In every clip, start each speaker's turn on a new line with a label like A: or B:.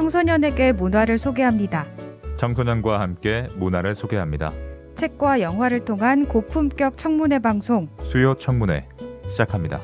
A: 청소년에게 문화를 소개합니다.
B: 청소년과 함께 문화를 소개합니다.
A: 책과 영화를 통한 고품격 청문회 방송
B: 수요 청문회 시작합니다.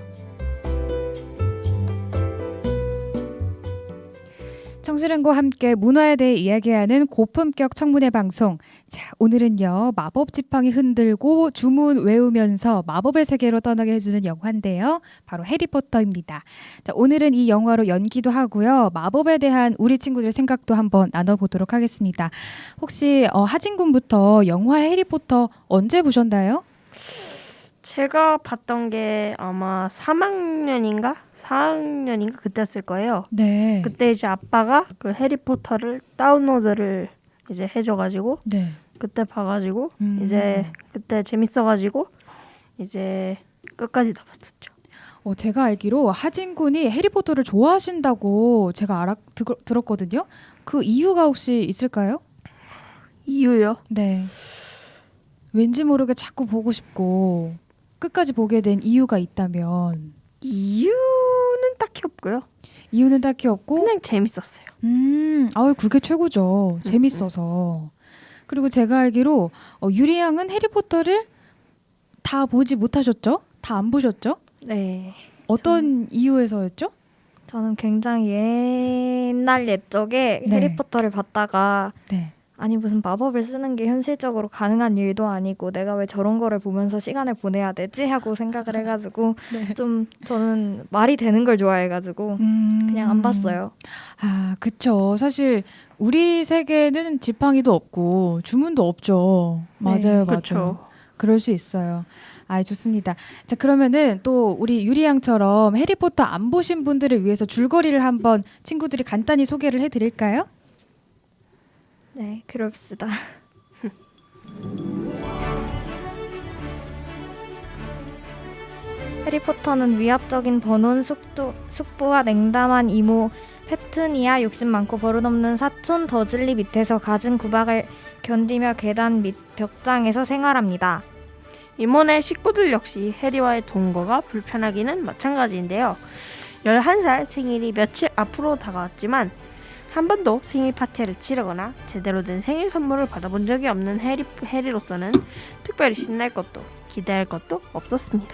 A: 청소년과 함께 문화에 대해 이야기하는 고품격 청문회 방송. 자, 오늘은요. 마법 지팡이 흔들고 주문 외우면서 마법의 세계로 떠나게 해주는 영화인데요. 바로 해리포터입니다. 자, 오늘은 이 영화로 연기도 하고요. 마법에 대한 우리 친구들 생각도 한번 나눠보도록 하겠습니다. 혹시 하진 군부터 영화 해리포터 언제 보셨나요?
C: 제가 봤던 게 아마 3학년인가 4학년인가 그때였을 거예요.
A: 네.
C: 그때 이제 아빠가 그 해리포터를 다운로드를 이제 해줘가지고
A: 네.
C: 그때 봐가지고 이제 그때 재밌어가지고 이제 끝까지 다 봤었죠.
A: 제가 알기로 하진 군이 해리포터를 좋아하신다고 제가 들었거든요. 그 이유가 혹시 있을까요?
C: 이유요?
A: 네. 왠지 모르게 자꾸 보고 싶고 끝까지 보게 된 이유가 있다면?
C: 이유는 딱히 없고요.
A: 이유는 딱히 없고
C: 그냥 재밌었어요.
A: 그게 최고죠. 재밌어서. 그리고 제가 알기로 유리 양은 해리포터를 다 보지 못하셨죠? 다 안 보셨죠?
D: 네.
A: 어떤 이유에서였죠?
D: 저는 굉장히 옛날 옛적에
A: 네.
D: 해리포터를 봤다가
A: 네.
D: 아니 무슨 마법을 쓰는 게 현실적으로 가능한 일도 아니고 내가 왜 저런 거를 보면서 시간을 보내야 되지? 하고 생각을 해가지고
A: 네.
D: 좀 저는 말이 되는 걸 좋아해가지고 그냥 안 봤어요.
A: 아, 그쵸. 사실 우리 세계는 지팡이도 없고 주문도 없죠.
D: 네,
A: 맞아요,
C: 그쵸.
A: 맞아요. 그럴 수 있어요. 아, 좋습니다. 자, 그러면은 또 우리 유리 양처럼 해리포터 안 보신 분들을 위해서 줄거리를 한번 친구들이 간단히 소개를 해드릴까요?
D: 네, 그럽시다. 해리포터는 위압적인 버논 숙부와 냉담한 이모 페투니아, 욕심 많고 버릇없는 사촌 더즐리 밑에서 갖은 구박을 견디며 계단 밑 벽장에서 생활합니다.
C: 이모네 식구들 역시 해리와의 동거가 불편하기는 마찬가지인데요. 11살 생일이 며칠 앞으로 다가왔지만 한 번도 생일 파티를 치르거나 제대로 된 생일 선물을 받아본 적이 없는 해리로서는 특별히 신날 것도 기대할 것도 없었습니다.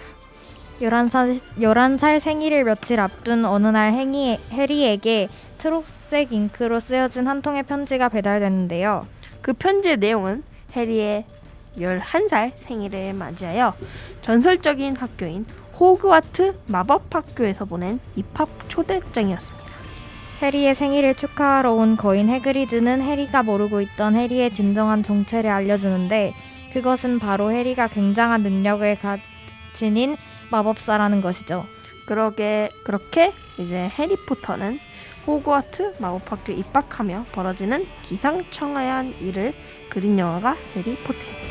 D: 11살 생일을 며칠 앞둔 어느 날 해리에게 초록색 잉크로 쓰여진 한 통의 편지가 배달됐는데요.
C: 그 편지의 내용은 해리의 11살 생일을 맞이하여 전설적인 학교인 호그와트 마법학교에서 보낸 입학 초대장이었습니다.
D: 해리의 생일을 축하하러 온 거인 해그리드는 해리가 모르고 있던 해리의 진정한 정체를 알려주는데 그것은 바로 해리가 굉장한 능력을 지닌 마법사라는 것이죠.
C: 그렇게 이제 해리포터는 호그와트 마법학교 입학하며 벌어지는 기상천외한 일을 그린 영화가 해리포터입니다.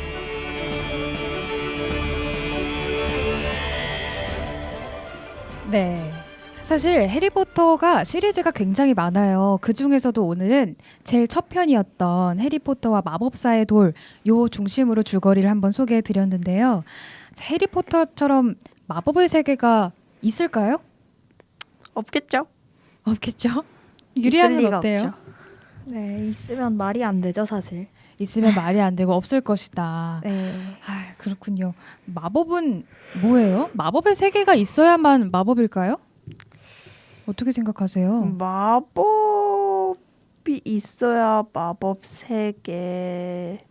A: 네. 사실 해리포터가 시리즈가 굉장히 많아요. 그 중에서도 오늘은 제일 첫 편이었던 해리포터와 마법사의 돌 요 중심으로 줄거리를 한번 소개해 드렸는데요. 해리포터처럼 마법의 세계가 있을까요?
C: 없겠죠?
A: 없겠죠?
C: 있을
A: 유리양은
C: 리가
A: 어때요?
C: 없죠.
D: 네, 있으면 말이 안 되죠, 사실.
A: 있으면 말이 안 되고 없을 것이다.
D: 네.
A: 아, 그렇군요. 마법은 뭐예요? 마법의 세계가 있어야만 마법일까요? 어떻게 생각하세요?
C: 마법이 있어야 마법 세계겠죠?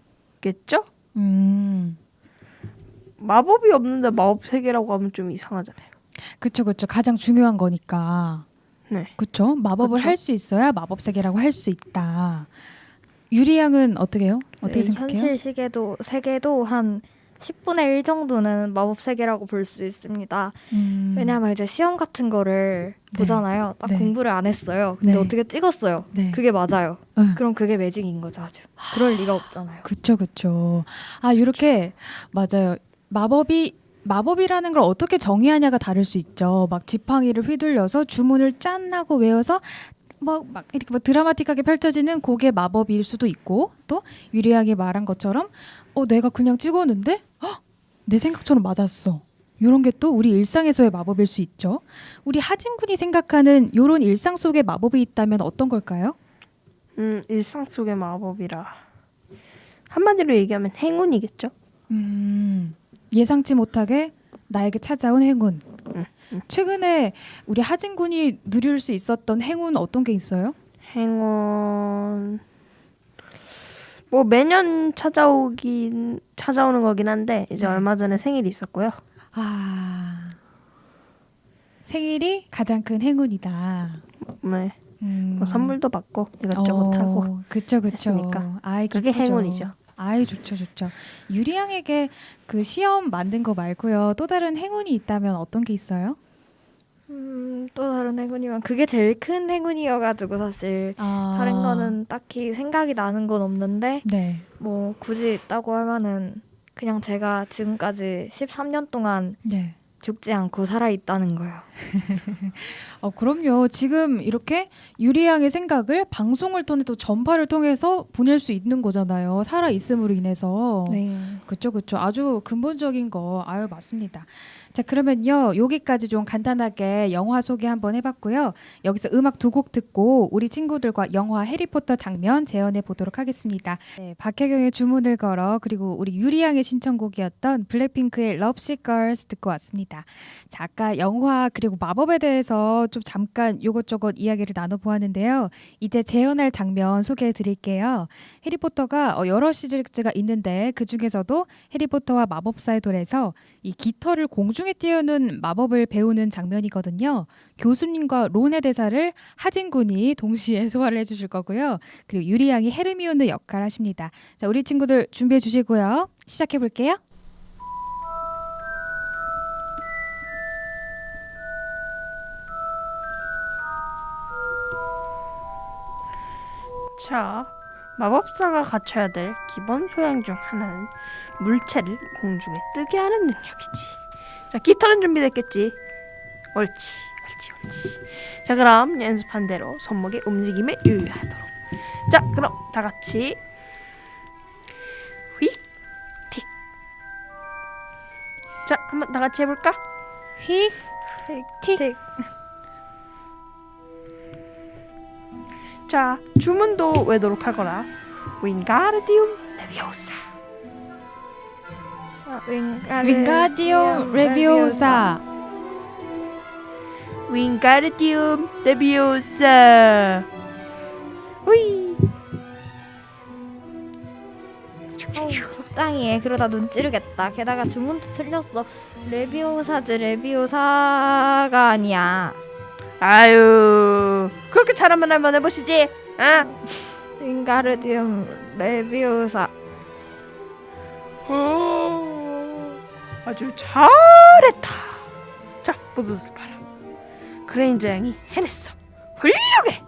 C: 마법이 없는데 마법 세계라고 하면 좀 이상하잖아요.
A: 그쵸. 가장 중요한 거니까.
C: 네.
A: 그쵸? 마법을
C: 그쵸.
A: 할 수 있어야 마법 세계라고 할 수 있다. 유리 양은 어떻게 해요? 어떻게
D: 네,
A: 생각해요?
D: 현실 세계도 한 10분의 1 정도는 마법 세계라고 볼 수 있습니다. 왜냐하면 이제 시험 같은 거를
A: 네.
D: 보잖아요. 딱
A: 네.
D: 공부를 안 했어요. 근데
A: 네.
D: 어떻게 찍었어요.
A: 네.
D: 그게 맞아요.
A: 응.
D: 그럼 그게 매직인 거죠, 아주. 그럴 리가 없잖아요.
A: 그쵸. 아, 이렇게 맞아요. 마법이라는 걸 어떻게 정의하냐가 다를 수 있죠. 막 지팡이를 휘둘려서 주문을 짠 하고 외워서 막 이렇게 막 드라마틱하게 펼쳐지는 그게 마법일 수도 있고, 또 유리하게 말한 것처럼 내가 그냥 찍었는데 내 생각처럼 맞았어. 이런 게 또 우리 일상에서의 마법일 수 있죠. 우리 하진 군이 생각하는 이런 일상 속의 마법이 있다면 어떤 걸까요?
C: 일상 속의 마법이라 한마디로 얘기하면 행운이겠죠.
A: 예상치 못하게 나에게 찾아온 행운.
C: 음,
A: 최근에 우리 하진 군이 누릴 수 있었던 행운 어떤 게 있어요?
C: 행운 뭐 매년 찾아오는 거긴 한데 이제
A: 네.
C: 얼마 전에 생일이 있었고요.
A: 생일이 가장 큰 행운이다.
C: 네. 뭐 선물도 받고 이것저것
A: 어,
C: 하고
A: 그쵸.
C: 했으니까.
A: 아이,
C: 그게
A: 기쁘죠.
C: 행운이죠.
A: 아이, 좋죠. 유리 양에게 그 시험 만든 거 말고요. 또 다른 행운이 있다면 어떤 게 있어요?
D: 또 다른 행운이면 그게 제일 큰 행운이어가지고 사실 다른 거는 딱히 생각이 나는 건 없는데
A: 네.
D: 뭐 굳이 있다고 하면은 그냥 제가 지금까지 13년 동안
A: 네.
D: 죽지 않고 살아있다는 거요.
A: 그럼요. 지금 이렇게 유리 양의 생각을 방송을 통해 또 전파를 통해서 보낼 수 있는 거잖아요. 살아 있음으로 인해서.
D: 네.
A: 그쵸. 아주 근본적인 거. 아유, 맞습니다. 자, 그러면요. 여기까지 좀 간단하게 영화 소개 한번 해봤고요. 여기서 음악 두 곡 듣고 우리 친구들과 영화 해리포터 장면 재현해 보도록 하겠습니다. 네, 박혜경의 주문을 걸어 그리고 우리 유리양의 신청곡이었던 블랙핑크의 Love Sick Girls 듣고 왔습니다. 자, 아까 영화 그리고 마법에 대해서 좀 잠깐 요것저것 이야기를 나눠보았는데요. 이제 재현할 장면 소개해 드릴게요. 해리포터가 여러 시리즈가 있는데 그 중에서도 해리포터와 마법사의 돌에서 이 깃털을 공중에 띄우는 마법을 배우는 장면이거든요. 교수님과 론의 대사를 하진 군이 동시에 소화를 해주실 거고요. 그리고 유리 양이 헤르미온느 역할 하십니다. 자, 우리 친구들 준비해 주시고요. 시작해 볼게요.
C: 자, 마법사가 갖춰야 될 기본 소양 중 하나는 물체를 공중에 뜨게 하는 능력이지. 자, 깃털은 준비됐겠지? 옳지. 자, 그럼 연습한 대로 손목의 움직임에 유의하도록. 자, 그럼 다 같이 휙, 틱. 자, 한번 다 같이 해볼까?
A: 휙, 틱.
C: 자, 주문도 외도록 하거라. 윙가르디움 레비오사.
A: 윙가디움 레비오사.
C: 윙가르디움 레비오사. 후이.
D: 적당히 해. 그러다 눈 찌르겠다. 게다가 주문도 틀렸어. 레비오사지 레비오사가 아니야.
C: 아유, 그렇게 잘하면 한번 해보시지. 아,
D: 윙가르디움 레비오사.
C: 아주 잘했다. 자, 모두들 봐라. 그레인저 양이 해냈어. 훌륭해.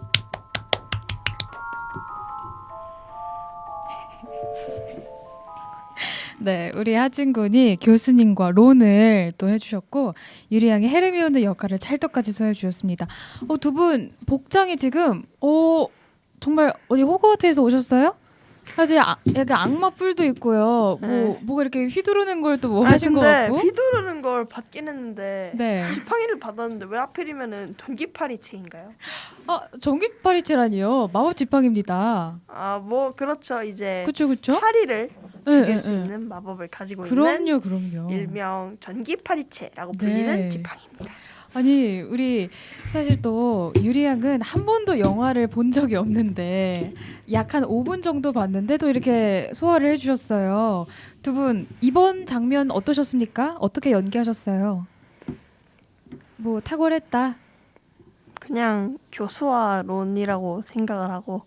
A: 네, 우리 하진 군이 교수님과 론을 또 해주셨고 유리 양이 헤르미온느 역할을 찰떡같이 소화해 주셨습니다. 두 분 복장이 지금 정말 어디 호그와트에서 오셨어요? 사실 약간 악마 뿔도 있고요.
C: 네.
A: 뭐가 이렇게 휘두르는 걸 또 뭐 하신 것
C: 근데
A: 같고.
C: 휘두르는 걸 받긴 했는데
A: 네.
C: 지팡이를 받았는데 왜 하필이면은 전기파리채인가요?
A: 전기파리채라니요. 마법 지팡입니다.
C: 아, 뭐 그렇죠. 이제
A: 그쵸?
C: 파리를
A: 네,
C: 죽일
A: 네,
C: 수
A: 네.
C: 있는 마법을 가지고 있는
A: 그럼요.
C: 일명 전기파리채라고 불리는
A: 네.
C: 지팡이입니다.
A: 아니 우리 사실 또 유리 양은 한 번도 영화를 본 적이 없는데 약 한 5분 정도 봤는데도 이렇게 소화를 해주셨어요. 두 분 이번 장면 어떠셨습니까? 어떻게 연기하셨어요? 뭐 탁월했다.
C: 그냥 교수와 론이라고 생각을 하고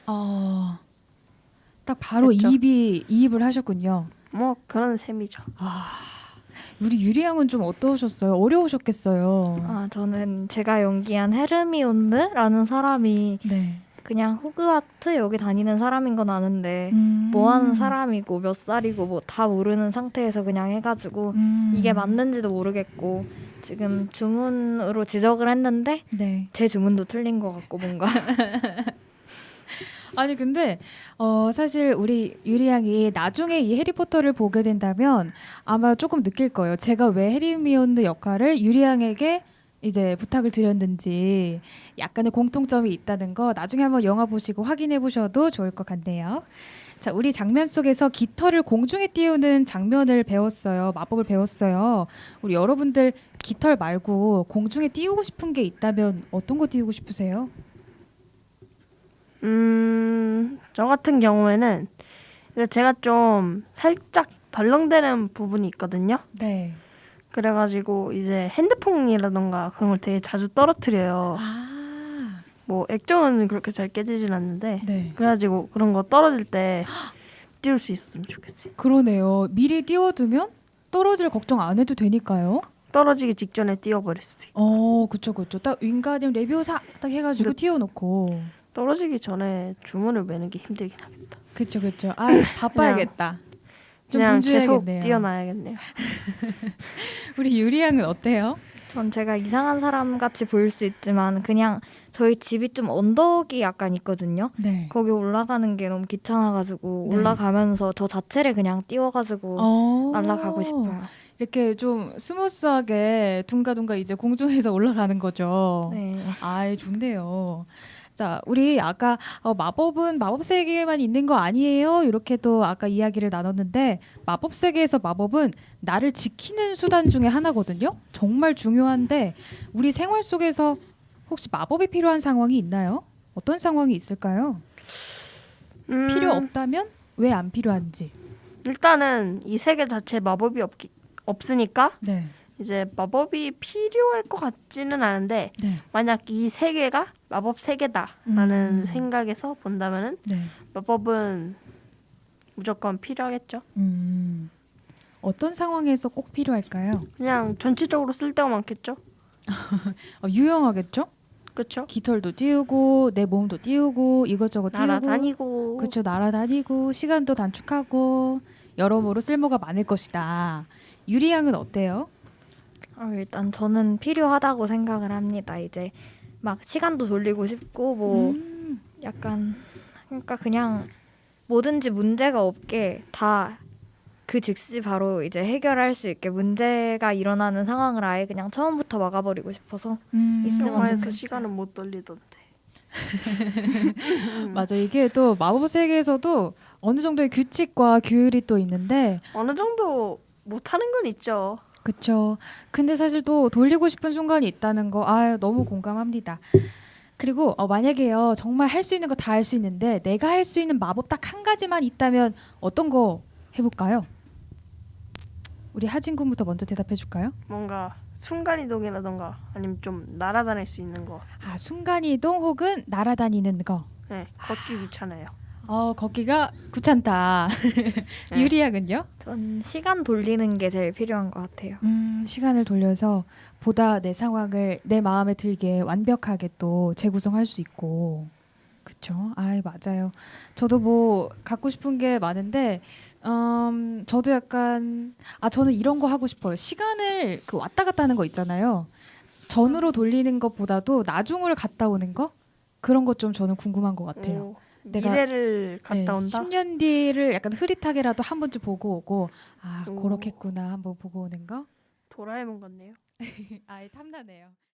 A: 딱 바로
C: 그렇죠.
A: 이입을 하셨군요.
C: 뭐 그런 셈이죠.
A: 우리 유리 양은 좀 어떠셨어요? 어려우셨겠어요.
D: 저는 제가 연기한 헤르미온느라는 사람이
A: 네.
D: 그냥 호그와트 여기 다니는 사람인 건 아는데 뭐 하는 사람이고 몇 살이고 뭐 다 모르는 상태에서 그냥 해가지고 이게 맞는지도 모르겠고 지금 주문으로 지적을 했는데
A: 네.
D: 제 주문도 틀린 것 같고 뭔가
A: 아니 근데 사실 우리 유리 양이 나중에 이 해리포터를 보게 된다면 아마 조금 느낄 거예요. 제가 왜 해리미온느 역할을 유리 양에게 이제 부탁을 드렸는지 약간의 공통점이 있다는 거 나중에 한번 영화 보시고 확인해 보셔도 좋을 것 같네요. 자, 우리 장면 속에서 깃털을 공중에 띄우는 장면을 배웠어요. 마법을 배웠어요. 우리 여러분들 깃털 말고 공중에 띄우고 싶은 게 있다면 어떤 거 띄우고 싶으세요?
C: 저 같은 경우에는 이제 제가 좀 살짝 덜렁대는 부분이 있거든요.
A: 네.
C: 그래가지고 이제 핸드폰이라던가 그런 걸 되게 자주 떨어뜨려요.
A: 아,
C: 뭐 액정은 그렇게 잘 깨지진 않는데
A: 네.
C: 그래가지고 그런 거 떨어질 때 띄울 수 있었으면 좋겠어요.
A: 그러네요. 미리 띄워두면 떨어질 걱정 안 해도 되니까요.
C: 떨어지기 직전에 띄워버릴 수도 있고
A: 그쵸, 그쵸. 딱 윙가디움 레비오사 딱 해가지고
C: 근데-
A: 띄워놓고.
C: 떨어지기 전에 주문을 매는 게 힘들긴 하겠다.
A: 그쵸, 그쵸. 아, 바빠야겠다. 좀
C: 그냥 계속
A: 분주해야겠네요.
C: 띄워놔야겠네요.
A: 우리 유리 양은 어때요?
D: 전 제가 이상한 사람 같이 보일 수 있지만 그냥 저희 집이 좀 언덕이 약간 있거든요.
A: 네.
D: 거기 올라가는 게 너무 귀찮아가지고
A: 네.
D: 올라가면서 저 자체를 그냥 띄워가지고 날아가고 싶어요.
A: 이렇게 좀 스무스하게 둥가둥가 이제 공중에서 올라가는 거죠.
D: 네.
A: 아이, 좋네요. 자, 우리 아까 마법은 마법 세계에만 있는 거 아니에요? 이렇게 또 아까 이야기를 나눴는데 마법 세계에서 마법은 나를 지키는 수단 중에 하나거든요. 정말 중요한데 우리 생활 속에서 혹시 마법이 필요한 상황이 있나요? 어떤 상황이 있을까요? 필요 없다면 왜 안 필요한지.
C: 일단은 이 세계 자체에 마법이 없으니까
A: 네.
C: 이제 마법이 필요할 것 같지는 않은데
A: 네.
C: 만약 이 세계가 마법 세계다라는
A: 음.
C: 생각에서 본다면은
A: 네.
C: 마법은 무조건 필요하겠죠.
A: 어떤 상황에서 꼭 필요할까요?
C: 그냥 전체적으로 쓸 데가 많겠죠.
A: 유용하겠죠?
C: 그렇죠.
A: 깃털도 띄우고 내 몸도 띄우고 이것저것 띄우고
C: 날아다니고
A: 그렇죠. 날아다니고 시간도 단축하고 여러모로 쓸모가 많을 것이다. 유리 양은 어때요?
D: 일단 저는 필요하다고 생각을 합니다. 이제 막 시간도 돌리고 싶고 뭐 약간 그러니까 그냥 뭐든지 문제가 없게 다 그 즉시 바로 이제 해결할 수 있게 문제가 일어나는 상황을 아예 그냥 처음부터 막아버리고 싶어서 있으면
C: 영화에서
D: 좋겠어요.
C: 시간은 못 돌리던데.
A: 맞아. 이게 또 마법 세계에서도 어느 정도의 규칙과 규율이 또 있는데
C: 어느 정도 못하는 건 있죠.
A: 그쵸. 근데 사실 또 돌리고 싶은 순간이 있다는 거, 너무 공감합니다. 그리고 만약에요, 정말 할 수 있는 거 다 할 수 있는데 내가 할 수 있는 마법 딱 한 가지만 있다면 어떤 거 해볼까요? 우리 하진 군부터 먼저 대답해 줄까요?
C: 뭔가 순간이동이라던가 아니면 좀 날아다닐 수 있는 거.
A: 순간이동 혹은 날아다니는 거.
C: 네, 걷기 귀찮아요.
A: 걷기가 귀찮다.
C: 네.
A: 유리 양은요?
D: 전 시간 돌리는 게 제일 필요한 것 같아요.
A: 시간을 돌려서 보다 내 상황을 내 마음에 들게 완벽하게 또 재구성할 수 있고. 그쵸? 맞아요. 저도 뭐 갖고 싶은 게 많은데, 저도 약간, 저는 이런 거 하고 싶어요. 시간을 그 왔다 갔다 하는 거 있잖아요. 전으로 돌리는 것보다도 나중을 갔다 오는 거? 그런 것 좀 저는 궁금한 것 같아요.
C: 오,
A: 내가-
C: 미래를 갔다 온다.
A: 10년 뒤를 약간 흐릿하게라도 한 번쯤 보고 오고,
C: 오.
A: 그렇겠구나 한번 보고 오는 거?
C: 도라에몽 같네요.
A: 탐나네요.